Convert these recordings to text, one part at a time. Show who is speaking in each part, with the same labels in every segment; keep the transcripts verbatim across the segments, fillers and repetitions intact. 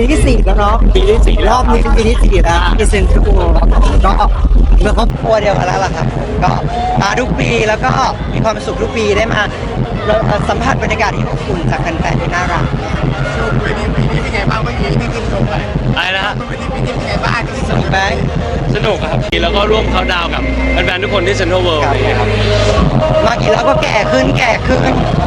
Speaker 1: ปีที่สี่แล้วเนาะ
Speaker 2: ปีที่สี่
Speaker 1: รอบนี้เป็นปีที่สี่แล้วที่เซ็นทรัลเวิลด์ก็เมื่อครอบครัวเดียวกันแล้วล่ะครับก็มาทุกปีแล้วก็มีความสุขทุกปีได้มาสัมผัสบรรยากาศที่อบอุ่นจากแฟนๆที่น่ารัก
Speaker 3: โชว์ปีนี้ปีนี้เป็นไงบ้างเมื่อกี้ที่ขึ้นชมไป
Speaker 2: อะไรนะฮะ
Speaker 3: ปีนี้ปีนี้เป็นไงบ้างที่สนุก
Speaker 1: ไหม
Speaker 2: สนุกครับแล้วก็ร่วมเขาดาวกับแฟนๆทุกคนที่เซ็นทรัลเวิลด์อะไรอย่างเงี้ยครับ
Speaker 1: มากี่แล้วก็แก่ขึ้นแก่ขึ้น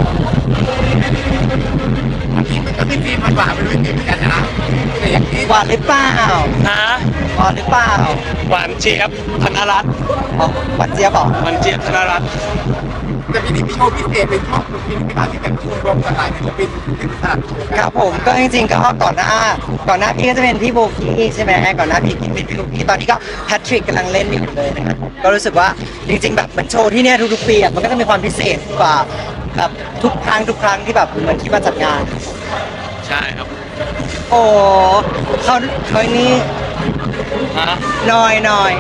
Speaker 3: มันก็มีฟีมันหวานเป็นวิธีเหมือนกันนะแต่อย่างที่
Speaker 1: หวานหรือเปล่า
Speaker 2: ฮะ
Speaker 1: หวานหรือเปล่า
Speaker 2: หวานเจี๊ยบธนรัตน์
Speaker 1: อ๋อหวานเจี๊ยบเหรอ
Speaker 2: หวานเจี๊ยบธนรัตน์
Speaker 3: แต่ปีนี้มีโชว์พิเศษเป็นช่วงปีนี้เป็นการที่แบบรวมกันหลายศิลปินเป็นสลัด
Speaker 1: ครับผมก็จริงๆก็ก่อนหน้าก่อนหน้าพี่ก็จะเป็นพี่โบกี้ใช่ไหมก่อนหน้าพี่กินเป็นพี่โบกี้ตอนนี้ก็แพทริกกำลังเล่นอยู่เลยนะครับก็รู้สึกว่าจริงๆแบบเหมือนโชว์ที่เนี่ยทุกๆปีมันก็จะมีความพิเศษกว่าแบบทุกครั้งทุกครั้งที่แบบเหมือนที่มาจัดงาน
Speaker 2: ใช่ครับ
Speaker 1: โอ้เขาเขานี่
Speaker 2: ฮะ
Speaker 1: น้อยน้อย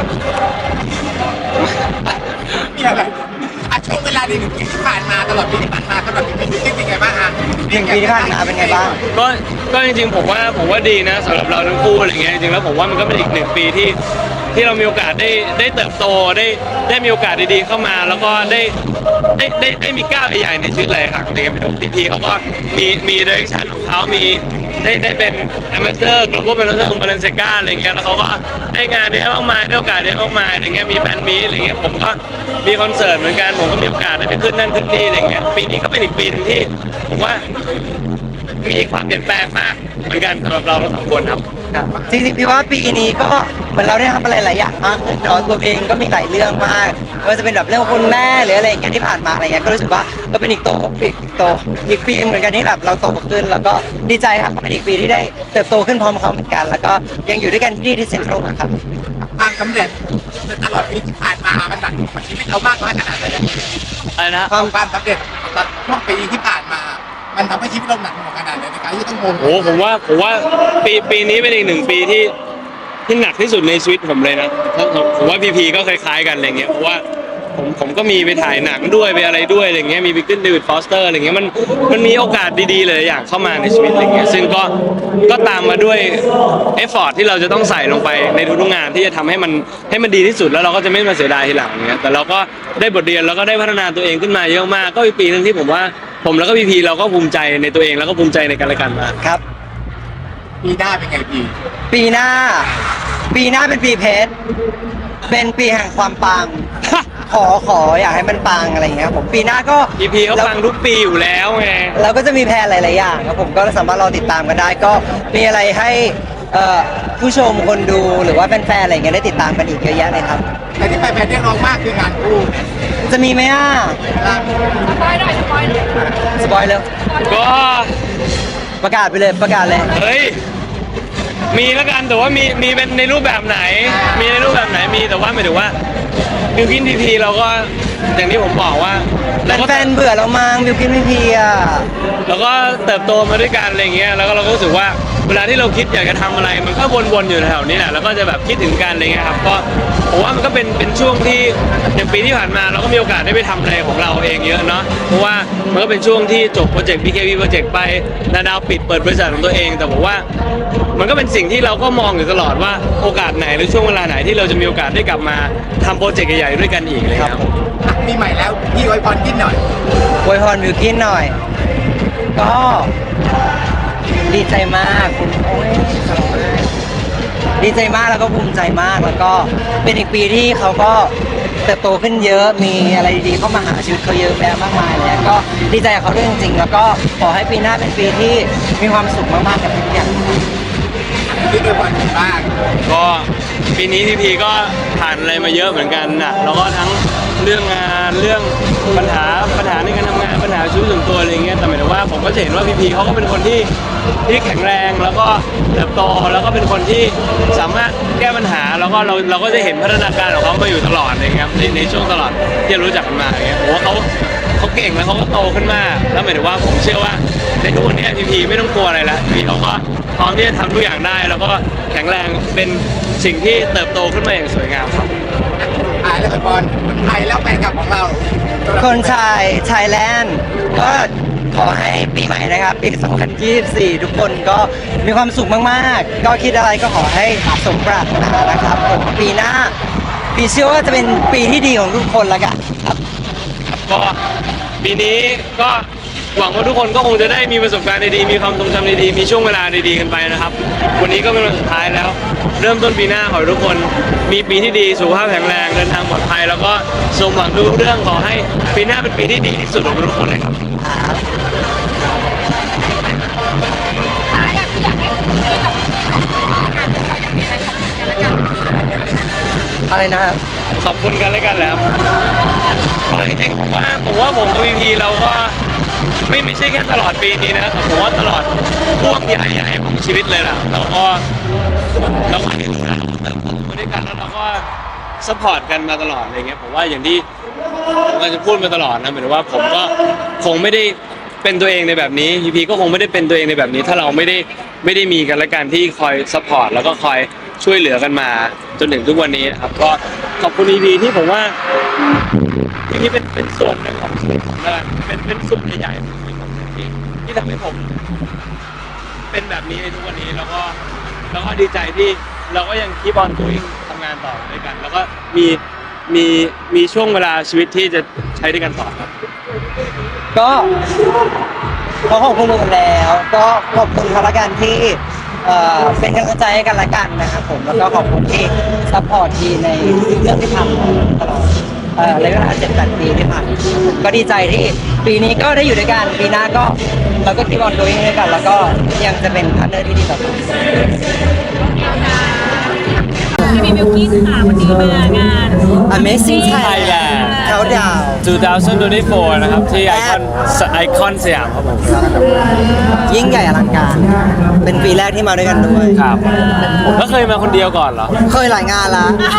Speaker 3: มีอะไรอ่ะช่วงเวลาในหนึ่งปีที่ผ่านมาตลอดปีที่ผ่านมาตลอดปีนี้เป็นไงบ้างอ่ะ
Speaker 1: หนึ่งปีที่ผ่านมาเป็นไงบ้าง
Speaker 2: ก็ก็จริงๆผมว่าผมว่าดีนะสำหรับเราทั้งคู่อะไรเงี้ยจริงๆแล้วผมว่ามันก็เป็นอีกหนึ่งปีที่ที่เรามีโอกาสได้ได้เติบโตได้ได้มีโอกาสดีๆเข้ามาแล้วก็ได้ได้ได้ได้มีก้าวใหญ่ๆในชีวิตเลยครับเด็กพีพีเขาก็มีมีเดเรคชั่นของเขามีได้ได้เป็นแอมบาสเดอร์กลุ่มเป็นแอมบาสเดอร์ของบาเลนเซกาอะไรเงี้ยแล้วเขาก็ได้งานได้มากมายได้โอกาสได้มากมายอะไรเงี้ยมีแฟนมีอะไรเงี้ยผมก็มีคอนเสิร์ตเหมือนกันผมก็มีโอกาสได้ไปขึ้นนั่นขึ้นนี่อะไรเงี้ยปีนี้ก็เป็นอีกปีนึงที่ผมว่ามีความเปลี่ยนแปลงมากเหมือนกันสำหรับเราทั้งสองคนครับ
Speaker 1: จริงๆพี่ว่าปีนี้ก็เหมือนเราได้ทำอะไรหลายอย่างมากเนาะตัวเองก็มีหลายเรื่องมากไม่ว่าจะเป็นแบบเรื่องคุณแม่หรืออะไรอย่างเงี้ยที่ผ่านมาอะไรเงี้ยก็รู้สึกว่าก็เป็นอีกโตอีกโตอีกปีเหมือนกันที่แบบเราโตขึ้นแล้วก็ดีใจครับเป็นอีกปีที่ได้เติบโตขึ้นพร้อมเขาเหมือนกันแล้วก็ยังอยู่ด้วยกันที่ที่เซ็นทรัลครับ
Speaker 3: ความสำเร็จตลอดปีที่ผ่านมามันหนักกว่าชีวิตเรามากน้อยขนาดไหน
Speaker 2: อะไรนะ
Speaker 3: ความความสำเร็จตลอดช่วงปีที่ผ่านมามันทำให้ชีวิตเราหนักหน่วงขนาดไหนในการที่ต้องโม
Speaker 2: โอ้ผมว่าผมว่าปีปีนี้เป็นอีกหนึ่งปีที่ที่หนักที่สุดในชีวิตผมเลยนะผมว่าพีพีก็คล้ายๆกันอะไรเงี้ยเพราะว่าผมผมก็มีไปถ่ายหนังด้วยไปอะไรด้วยอะไรเงี้ยมีไปขึ้นเดวิดฟอสเตอร์อะไรเงี้ยมันมันมีโอกาสดีๆเลยอย่างเข้ามาในชีวิตอะไรเงี้ยซึ่งก็ก็ตามมาด้วยเอฟฟอร์ตที่เราจะต้องใส่ลงไปในทุกๆงานที่จะทำให้มันให้มันดีที่สุดแล้วเราก็จะไม่มาเสียดายทีหลังเงี้ยแต่เราก็ได้บทเรียนแล้วก็ได้พัฒนาตัวเองขึ้นมาเยอะมากก็เป็นปีนึงที่ผมว่าผมแล้วก็พีพีเราก็ภูมิใจในตัวเองแล้วก็ภูมิใจในกันและกันมา
Speaker 1: ครับ
Speaker 3: ปีหน้าเป็นไงปี
Speaker 1: ปีหน้าปีหน้าเป็นปีเพชรเป็นปีแห่งความปังขอขออยากให้มันปังอะไรอย่างเงี้ยผมปีหน้าก็
Speaker 2: พีพีเขาปังทุกปีอยู่แล้วไง
Speaker 1: เราก็จะมีแพลนหลายๆอย่างครับผมก็สามารถรอติดตามกันได้ก็มีอะไรให้ผู้ชมคนดูหรือว่าแฟนๆอะไรเงี้ยได้ติดตามกันอีกเยอะแยะเลยครับ
Speaker 3: แต่ที่แฟนๆเรียกร้องมากคืองานคู่
Speaker 1: จะมีไหมอ่ะ
Speaker 4: สปอยหน่อยสปอยหน่อย
Speaker 1: สปอยเร็ว
Speaker 2: ก็
Speaker 1: ประกาศไปเลยประกาศเลย
Speaker 2: เฮ้ยมีแล้วกันแต่ว่ามีมีเป็นในรูปแบบไหนมีในรูปแบบไหนมีแต่ว่าหมายถึงว่าบิวกินพีพีเราก็อย่างที่ผมบอกว่า
Speaker 1: แฟนเบื่อเรามั้งบิวกินพีพีอ่ะ
Speaker 2: เราก็เติบโตมาด้วยกันอะไรเงี้ยแล้วก็เราก็รู้สึกว่าเวลาที่เราคิดอยากจะทำอะไรมันก็วนๆอยู่แถวนี้แหละแล้วก็จะแบบคิดถึงกันอะไรเงี้ยครับก็ผมว่ามันก็เป็นเป็นช่วงที่อย่างปีที่ผ่านมาเราก็มีโอกาสได้ไปทำอะไรของเราเองเยอะเนาะเพราะว่ามันก็เป็นช่วงที่จบโปรเจกต์ บี เค วี โปรเจกต์ไปนาดาวปิดเปิดบริษัทของตัวเองแต่ผมว่ามันก็เป็นสิ่งที่เราก็มองอยู่ตลอดว่าโอกาสไหนหรือช่วงเวลาไหนที่เราจะมีโอกาสได้กลับมาทำโปรเจกต์ใหญ่ๆด้วยกันอีกเลยครับ
Speaker 3: มีใหม่แล้วพี่อวยพรกินหน่อย
Speaker 1: อวยพรบิวกินหน่อยก็ดีใจมากคุณโอ้ยดีใจมากแล้วก็ภูมิใจมากแล้วก็เป็นอีกปีที่เขาก็เติบโตขึ้นเยอะมีอะไรดีๆเข้ามาหาชีวิตเขาเยอะแยะมากมายเลยก็ดีใจกับเขาด้วยจริงๆแล้วก็ขอให้ปีหน้าเป็นปีที่มีความสุขมากๆกับทุกอย่าง
Speaker 3: ที่อวยพรกันบ้าง
Speaker 2: ก็ปีนี้พีพีก็ผ่านอะไรมาเยอะเหมือนกันนะแล้วก็ทั้งเรื่องงานเรื่องปัญหาปัญหาในการทำงานปัญหาชีวิตส่วนตัวอะไรเงี้ยแต่หมายถึงว่าผมก็เห็นว่าพีพีเขาก็เป็นคนที่ที่แข็งแรงแล้วก็เติบโตแล้วก็เป็นคนที่สามารถแก้ปัญหาแล้วก็เราเราก็จะเห็นพัฒนาการของเขามาอยู่ตลอดเลยครับในในช่วงตลอดที่รู้จักกันมาอย่างเงี้ยผมว่าเขาเขาเก่งแล้วเขาก็โตขึ้นมากแล้วหมายถึงว่าผมเชื่อว่าในทุกวันนี้พีพีไม่ต้องกลัวอะไรละพีเขาก็พร้อมที่จะทำทุกอย่างได้แล้วก็แข็งแรงเป็นสิ่งที่เติบโตขึ้นมาอย่างสวยงามครับ
Speaker 3: ไทยแล้วบอลไทยแล้วแฟนคลับของเรา
Speaker 1: คนชายชายแลนด์ก็ขอให้ปีใหม่นะครับปีสองพันยี่สิบสี่ทุกคนก็มีความสุขมากๆ ก็คิดอะไรก็ขอให้สมปรารถนานะครับผมปีหน้าปีเชื่อว่าจะเป็นปีที่ดีของทุกคนละกันครับ
Speaker 2: ก็ปีนี้ก็หวังว่าทุกคนก็คงจะได้มีประสบการณ์ดีๆมีความทรงจำดีๆมีช่วงเวลาดีๆกันไปนะครับวันนี้ก็เป็นวันสุดท้ายแล้ว เริ่มต้นปีหน้าขอให้ทุกคนมีปีที่ดีสุขภาพแข็งแรงเดินทางปลอดภัยแล้วก็สมหวังทุกเรื่องขอให้ปีหน้าเป็นปีที่ดีที่สุดของทุกคนเลยครับ
Speaker 1: อะไรนะครับ
Speaker 2: ขอบคุณกันแล้วกันแล้วจริงๆผมว่าผมว่าผมกับพีพีเราก็ไม่ไม่ใช่แค่ตลอดปีนี้นะผมว่าตลอดช่วงใหญ่ๆของชีวิตเลยล่ะเราก็เราก็เห็นเราเติบโตมาด้วยกันแล้วเราก็ซัพพอร์ตกันมาตลอดอะไรเงี้ยผมว่าอย่างที่ผมก็จะพูดมาตลอดนะหมายถึงว่าผมก็คงไม่ได้เป็นตัวเองในแบบนี้พีพีก็คงไม่ได้เป็นตัวเองในแบบนี้ ถ้าเราไม่ได้ไม่ได้มีกันและกันที่คอยซัพพอร์ตแล้วก็คอยช่วยเหลือกันมาจนถึงทุกวันนี้นะครับก็ขอบคุณพีพีที่ผมว่าพีพีเป็นเป็นส่วนหนึ่งของชีวิตผมแล้วกันเป็นเป็นส่วนใหญ่ๆของชีวิตผมที่ที่ทำให้ผม เป็นแบบนี้ในทุกวันนี้แล้วก็แล้วก็ดีใจที่เราก็ยังคีบอลตัวเองทำงานต่อด้วยกัน แล้วก็มีมีมีช่วงเวลาชีวิตที่จะใช้ด้วยกันต่อครับ
Speaker 1: ก็ขอขอบคุณกันแล้ว ก็ขอบคุณเขาละกันที่เอ่อเป็นกำลังใจให้กันละกันนะครับผมแล้วก็ขอบคุณที่ซัพพอร์ตทีในเรื่องที่ทำตลอดเอ่อระยะเวลาเจ็ดแปดปีที่ผ่านมาก็ดีใจที่ปีนี้ก็ได้อยู่ด้วยกันปีหน้าก็เราก็คีบอลตัวเองด้วยกัน แล้วก็ยังจะเป็นพาร์ทเนอร์ที่ดีต่อกัน
Speaker 4: พี่มีบิวกิ้นค่ะวันนี้มางาน
Speaker 1: Amazing Thailand เขาดาว
Speaker 2: สองพันยี่สิบสี่ นะครับที่ไอคอนไอคอนสยามครับผม
Speaker 1: ยิ่งใหญ่อลังการ เป็นปีแรกที่มาด้วยกันด้วย
Speaker 2: ครับแล้วเคยมาคนเดียวก่อนเหรอ
Speaker 1: เคยหลายงานละ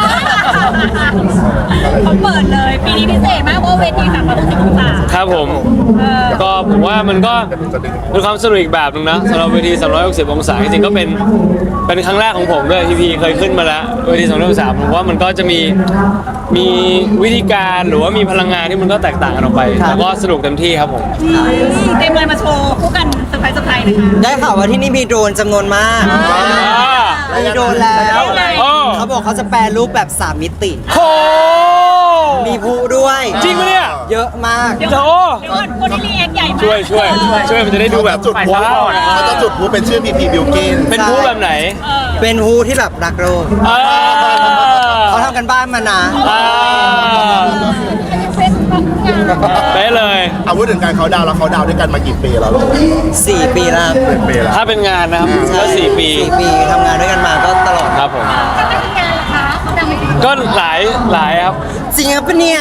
Speaker 4: เขาเปิดเลยปีนี้พิเศษมากเพราะเวทีสามร้อยหกสิบองศา
Speaker 2: ครับผม
Speaker 4: เออ
Speaker 2: ก็ผมว่ามันก็เป็นความสนุกอีกแบบหนึงนะสำหรับเวทีสามร้อยหกสิบองศาจริงๆก็เป็นเป็นครั้งแรกของผมด้วยที่พีเคยขึ้นมาแล้วเวทีสามร้อยหกสิบองศาผมว่ามันก็จะมีมีวิธีการหรือว่ามีพลังงานที่มันก็แตกต่างกันออกไปแล้วก็สนุกเต็มที่ครับผม
Speaker 4: เต็มเลยมาโชว์คู่กันเซอร์ไพรส์เซอร์ไพรส์นะคะ
Speaker 1: ได้ข่าวว่าที่นี่มีโดรนจำนวนมาก มีโดรนแล้ว
Speaker 2: โอ้
Speaker 1: เขาบอกเขาจะแปลรูปแบบสามมิติ
Speaker 2: โห
Speaker 1: มีพลุด้วย
Speaker 2: จริงปะเนี่ย
Speaker 1: เยอะมาก
Speaker 4: เดี๋ยว
Speaker 2: โอ้
Speaker 4: เดี๋ยวก่อนคนที่รีแอคใหญ่มาก
Speaker 2: ช่วยช่วยช่วยมันจะได้ดูแบบ
Speaker 5: จุดพลุ
Speaker 2: ว้าวนะ
Speaker 5: เขาจะจุดพลุเป็นชื่อพีพีบิลกิน
Speaker 2: เป็นผู้แบบไหน
Speaker 4: เออ
Speaker 1: เป็นพลุที่แบบรักโลก
Speaker 2: อ่า
Speaker 1: เขาทำกันบ้านมานะ
Speaker 2: อ่า
Speaker 4: เฟซบุ๊กงาน
Speaker 2: ไปเลย
Speaker 5: เอาพูดถึงการเขาดาวน์แล้วเขาดาวน์ด้วยกันมากี่ปีแล้วลูก
Speaker 1: สี่ปีแล้ว
Speaker 5: เป็นปีแล้ว
Speaker 2: ถ้าเป็นงานนะครับก็สี่ปี
Speaker 1: สี่ปีทำงานด้วยกันมาก็ตลอด
Speaker 2: ครับผม
Speaker 4: ถ้าไม่มีงานล่ะคะเขาดังไปถึง
Speaker 2: ก็หลายหลายครับ
Speaker 1: จริงครับปะเนี่ย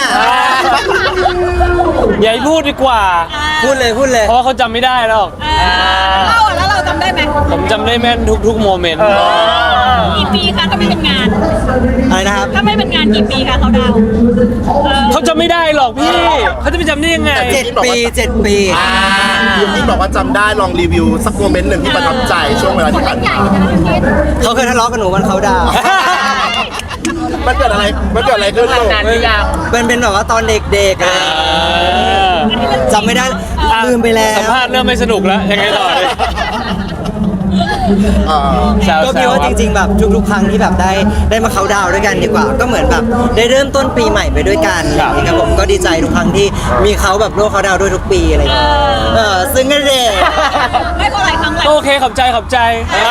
Speaker 2: อย่าให้พูดดีกว่า
Speaker 1: พูดเลยพูดเลย
Speaker 2: เพราะว่าเขาจำไม่ได้หรอก
Speaker 4: เล่าอ่ะแล้วเราจำได้ไหม
Speaker 2: ผมจำได้แม่นทุกๆโมเมนต์
Speaker 4: กี่ปีคะถ้าไม่เป็นงาน
Speaker 1: อะไรนะครับ
Speaker 4: ถ้าไม่เป็นงานกี่ปีคะเขาดาวน์เออ
Speaker 2: เขาจำไม่ได้หรอกพี่เขาจะไปจำได้ยังไง
Speaker 1: เจ็ดปีเจ็ดปี
Speaker 5: บิลกินบอกว่าจำได้ลองรีวิวสักโมเมนต์หนึ่งที่ประทับใจช่วงเวลาที่ผ่าน
Speaker 4: ใหญ่
Speaker 5: มา
Speaker 4: นะพี่คิด
Speaker 1: เขาเคยทะเลาะกับหนูวันเขาดาวน์
Speaker 5: มันเกิดอะไรมันเกิดอะไรขึ้นลูก
Speaker 1: เป็นเป็นแบบว่าตอนเด็กๆอะไรจำไม่ได้ลืมไปแล้ว
Speaker 2: สัมภาษณ์เริ่มไม่สนุกแล้วยังไงต่อเลย
Speaker 5: เอ่อ
Speaker 2: แซว
Speaker 1: ก็
Speaker 2: แซ
Speaker 1: คิด
Speaker 2: ว
Speaker 1: ว่า
Speaker 2: ค
Speaker 1: จ
Speaker 2: รับ
Speaker 1: ริงๆแบบทุกๆครั้งที่แบบได้ได้มาเขาน์ดาวน์ด้วยกันดีกว่า ก็เหมือนแบบได้เริ่มต้นปีใหม่ไปด้วยกัน
Speaker 2: ครับ
Speaker 1: นะครับผมก็ดีใจทุกครั้งที่มีเขาแบบร่วมเขาน์ดาวน์ด้วยทุกปีอะไรอย่างเงี้ยเออซึ่งก็เด็ก
Speaker 4: ไม่พอหลายครั้งหลาย
Speaker 2: โอเคขอบใจขอบใจ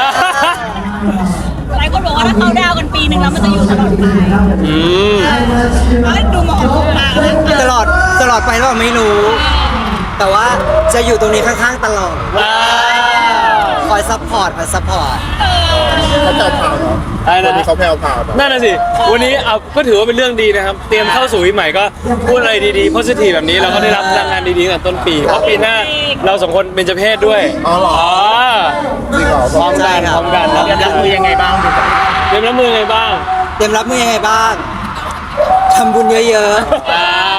Speaker 4: หลายคนบอกว่าถ้าเขาดาวน์กันปีหนึ่งแล้วมันจะอยู่ตลอดไป
Speaker 2: อืม
Speaker 4: แล้วดูหมอของตาแล้ว
Speaker 1: ตลอดตลอดไปหรือเปล่าไม่รู้ แต่ว่าจะอยู่ตรงนี้ข้างๆตลอด
Speaker 2: อ่า
Speaker 1: คอยซัพพอร์ตคอยซัพพอร์ต
Speaker 5: เขาแผ่วพราวเนาะ
Speaker 2: อะไรนะ
Speaker 5: วันนี้เขาแผ่วพราวเนาะ
Speaker 2: นั่นน่ะสิ วันนี้เอาก็ถือว่าเป็นเรื่องดีนะครับ เตรียมเข้าสู่ปีใหม่ก็พูดอะไรดีๆ positive แบบนี้เราก็ได้รับพลังงานดีๆตั้งแต่ต้นปี เพราะปีหน้าเราสองคนเป็นเจเพศด้วย
Speaker 5: อ๋อเหรอ
Speaker 2: อ๋อ
Speaker 5: จริงเหรอ
Speaker 2: พร้อมกันพร้อมกันรับรับมือยังไงบ้างเตรียมรับมือยังไงบ้าง
Speaker 1: เตรียมรับมือยังไงบ้างทำบุญเยอะ
Speaker 2: อ่า
Speaker 5: คือ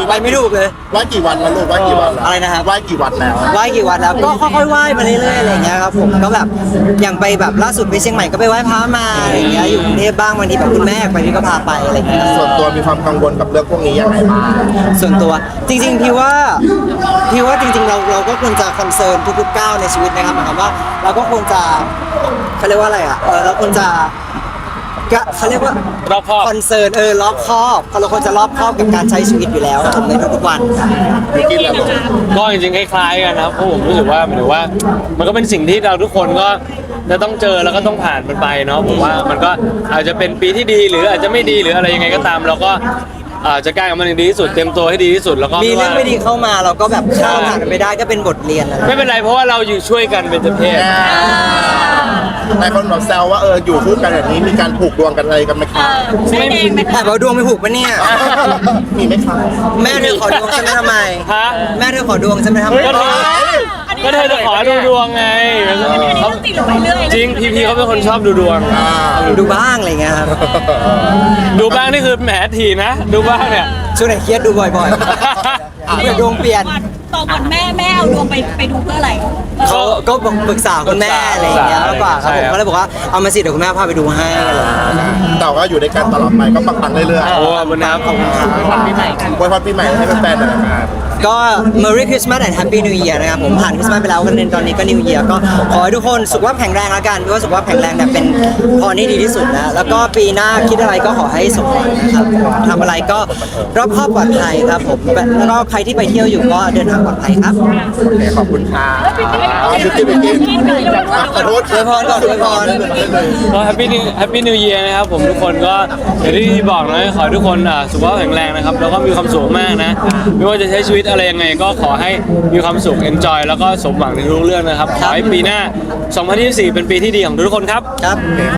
Speaker 1: ไปไม่ถูกเลย
Speaker 5: ไหว้กี่วันแล้วลูกไหว้กี่วันแล้ว
Speaker 1: อะไรนะครับ
Speaker 5: ไหว้กี่วันแล้ว
Speaker 1: ไหว้กี่วันแล้วก็ค่อยๆไหว้มาเรื่อยๆอะไรอย่างเงี้ยครับผมก็แบบอย่างไปแบบล่าสุดไปเชียงใหม่ก็ไปไหว้พระมาอะไรอย่างเงี้ยอยู่กรุงเทพบ้างบางทีแบบคุณแม่ไปพี่ก็พาไปอะไรอย่างเงี้ย
Speaker 5: ส่วนตัวมีความกังวลกับเรื่องพวกนี้ยังไงบ้าง
Speaker 1: ส่วนตัวจริงๆพี่ว่าพี่ว่าจริงๆเราเราก็ควรจะคอนเซิร์นทุกๆก้าวในชีวิตนะครับหมายความว่าเราก็ควรจะเขาเรียกว่าอะไรอ่ะเออเราควรจะก็เขาเรียกว่าร
Speaker 2: อบคอบ
Speaker 1: คอนเซิร์นเออรอบคอบเราควรจะรอบคอบกับการใช้ชีวิตอยู่แล้วผมในทุกๆวัน
Speaker 5: บิวกินแล้วลูก
Speaker 2: ก็จริงๆคล้ายๆกันนะครับเพราะผมรู้สึกว่าหมายถึงว่า มันก็เป็นสิ่งที่เราทุกคนก็จะต้องเจอแล้วก็ต้องผ่านมันไปเนาะผมว่ามันก็อาจจะเป็นปีที่ดีหรืออาจจะไม่ดีหรืออะไรยังไงก็ตาม เราก็อาจจะกล้ากับมันอย่างดีที่สุดเต็มตัวให้ดีที่สุดแล้วก็
Speaker 1: มีเรื่องไม่ดีเข้ามาเราก็แบบข้ามผ่านมันไปได้ก็เป็นบทเรียนอะไร
Speaker 2: ไม่เป็นไรเพราะว่าเราอยู่ช่วยกันเป็นเพศ
Speaker 5: หลายคนแบบแซวว่าเอออยู่คู่กันแบบนี้มีการผูกดวงกันอะไรกันไหม
Speaker 4: เอ
Speaker 5: คะ
Speaker 4: อไม่แดงไหม
Speaker 1: แต่ว่าดวงไม่ผูกปะเนี่ย
Speaker 5: มีไหมคะ
Speaker 1: แม่เธอขอดวงฉันไม่ทำไม
Speaker 2: ฮะ
Speaker 1: แม่เธอขอดวงฉันไม่ทำไม
Speaker 2: ก็เธอก็เธอจะขอดูดวงไง
Speaker 4: อันนี้เรื่องจริงหรือไปเรื่อย
Speaker 2: จริงพีพีเขาเป็นคนชอบดูดวง
Speaker 5: อ่า
Speaker 1: ดูบ้างอะไรเงี้ยครับ
Speaker 2: ดูบ้างนี่คือแหมทีนะ ดูบ้างเนี่ย
Speaker 1: ช่วงไหนเครียดดูบ่อยๆเพื่อดวงเปลี่ยน
Speaker 4: ต่อก่อนแม่แม่เอาดวงไปไปดูเพื่ออะไร
Speaker 1: เขาก็ปรึกษาคุณแม่อะไรอย่างเงี้ยมากกว่าครับผมก็เลยบอกว่าเอามาสิเดี๋ยวคุณแม่พาไปดูให้อะไรอย่างเงี้ย
Speaker 5: แต่ว่าอยู่ในการตลอดไปก็ปังๆเรื่อย
Speaker 2: โอ้ขอบคุณครับขอบคุณครับ
Speaker 5: ๆปีใหม่กันอวยพรปีใหม่ให้แฟนๆหน่อยนะครับ
Speaker 1: ก็ Merry Christmas and Happy New Year นะครับผมผ่านคริสต์มาสไปแล้วกันตอนนี้ก็ New Year ก็ขอให้ทุกคนสุขภาพแข็งแรงแล้วกันเพราะว่าสุขภาพแข็งแรงเนี่ยเป็นพรที่ดีที่สุดนะแล้วก็ปีหน้าคิดอะไรก็ขอให้สมหวังนะครับทำอะไรก็รอบคอบปลอดภัยครับผมแล้วก็ใครที่ไปเที่ยวอยู่ก็เดินทางปลอดภัยครับ
Speaker 5: โอเคขอบคุณค่ะบิวกินบิวกินขอโทษ
Speaker 1: อวยพรก่อนอวยพร
Speaker 2: ก็แฮปปี้นิวแฮปปี้นิวเยียร์นะครับผมทุกคนก็อย่างที่พี่บอกนะขอให้ทุกคนอ่ะสุขภาพแข็งแรงนะครับแล้วก็มีความสุขมากนะ ไม่ว่าจะใช้ชีวิตอะไรยังไงก็ขอให้มีความสุข enjoy แล้วก็สมหวังในทุกเรื่องนะครับ ขอให้ปีหน้า สองพันยี่สิบสี่ เป็นปีที่ดีของทุกคนครับ
Speaker 1: ครับ